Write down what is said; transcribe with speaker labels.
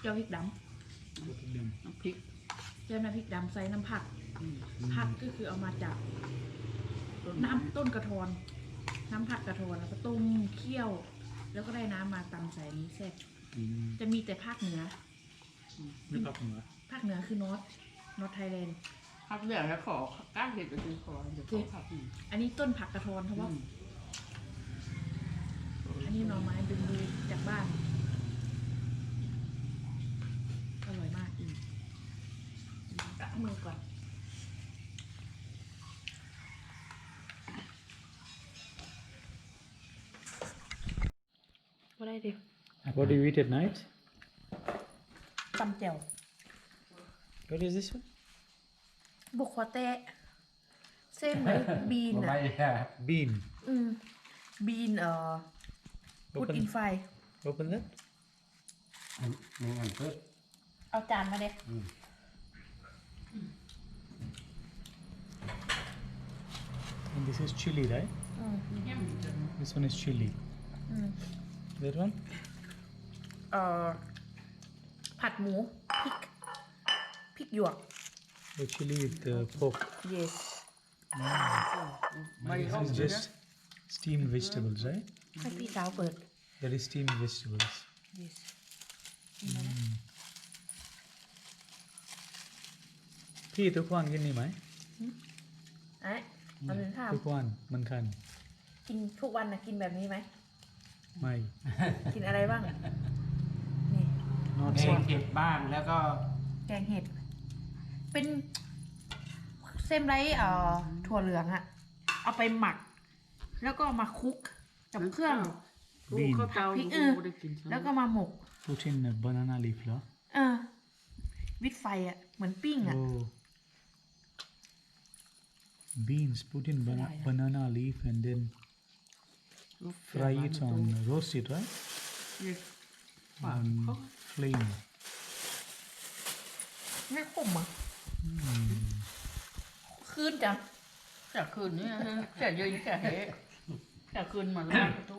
Speaker 1: จ้าพริกด
Speaker 2: น้ำพริก
Speaker 1: ำเจ้าน้ำพริกดำใส่น้ำผักผักก็คือเอามาจากน้ำต้นกระทอนน้ำผักกระทอนแล้วก็ต้มเคี่ยว แล้วก็ได้น้ำมาตำใส่นี้เสร็จจะมีแต่ภาคเหนือ
Speaker 3: ไม่ปักเหนือ
Speaker 1: ภาคเหนือคือนอร์ทไทยแลนด์
Speaker 2: ผักเหลืองแล้วขอก้านเห็ดไปซื้อขอเดี๋ยวขอผัก
Speaker 1: อันนี้ต้นผักกระทอนเพราะว่าอันนี้หน่อไม้ดึงดูจากบ้าน อร่อยมากตักมือก่อนว่าได้ดิ
Speaker 3: What do you eat at night?
Speaker 1: ตำแจ่ว
Speaker 3: What is this one?
Speaker 1: บุกควาเตะเส้นไหมบีนอ่ะ
Speaker 3: Bean.
Speaker 1: บีนพุดอินไฟ
Speaker 3: Open that.
Speaker 4: นี่อันเพิ่ม
Speaker 1: เอาจานมาเด็ก
Speaker 3: And this is chili, right? This one is chili. That one?
Speaker 1: ผัดหมูพริกหยวก
Speaker 3: The chili with the pork.
Speaker 1: yes
Speaker 3: This is just steamed vegetables, right?
Speaker 1: ให้พี่สาวเปิด
Speaker 3: That is steamed vegetables.
Speaker 1: yes
Speaker 3: พี่ทุกวันกินนี่ไหม
Speaker 1: ไอ้เอาเป็นข้าว
Speaker 3: ทุกวันมันคัน
Speaker 1: กินทุกวันนะกินแบบนี้ไหม
Speaker 3: ไม่
Speaker 1: กินอะไรบ้าง นี่
Speaker 3: not
Speaker 4: แก
Speaker 3: so
Speaker 4: งเห็ดบ้างแล้วก็
Speaker 1: แกงเห็ด เป็นเส้นไรถั่วเหลืองอะเอาไปหมัก แล้วก็มาคลุกกับเครื่อง
Speaker 3: bean
Speaker 2: ข้าวเตา
Speaker 1: พริก
Speaker 2: ไม่ได้กิน
Speaker 1: แล้วก็มาหมก
Speaker 3: put in a banana leaf เหรอ
Speaker 1: วิดไฟอะเหมือนปิ้งอะ
Speaker 3: Oh. Beans put in banana leaf and then fry it on roast it, right?
Speaker 2: ฝาน
Speaker 3: On flame.
Speaker 1: ไม่ขมอะคืนจัง
Speaker 2: จากคืนนี้จากเย็นจากเฮจากคืนมาแล้ว